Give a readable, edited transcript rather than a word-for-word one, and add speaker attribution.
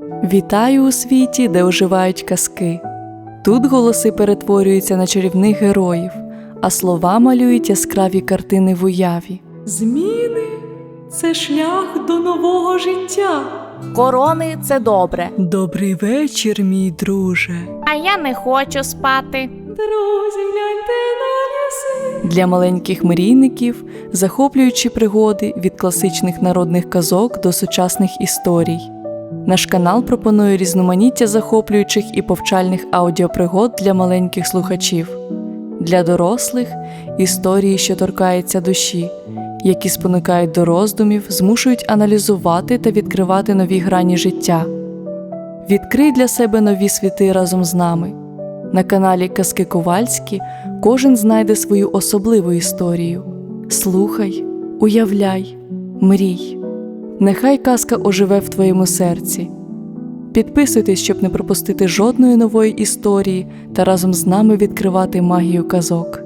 Speaker 1: Вітаю у світі, де оживають казки. Тут голоси перетворюються на чарівних героїв, а слова малюють яскраві картини в уяві.
Speaker 2: Зміни – це шлях до нового життя.
Speaker 3: Корони – це добре.
Speaker 1: Добрий вечір, мій друже.
Speaker 3: А я не хочу спати.
Speaker 2: Друзі, гляньте на ліси.
Speaker 1: Для маленьких мрійників захоплюючі пригоди від класичних народних казок до сучасних історій. Наш канал пропонує різноманіття захоплюючих і повчальних аудіопригод для маленьких слухачів. Для дорослих – історії, що торкаються душі, які спонукають до роздумів, змушують аналізувати та відкривати нові грані життя. Відкрий для себе нові світи разом з нами. На каналі Казки Ковальські кожен знайде свою особливу історію. Слухай, уявляй, мрій. Нехай казка оживе в твоєму серці. Підписуйтесь, щоб не пропустити жодної нової історії та разом з нами відкривати магію казок.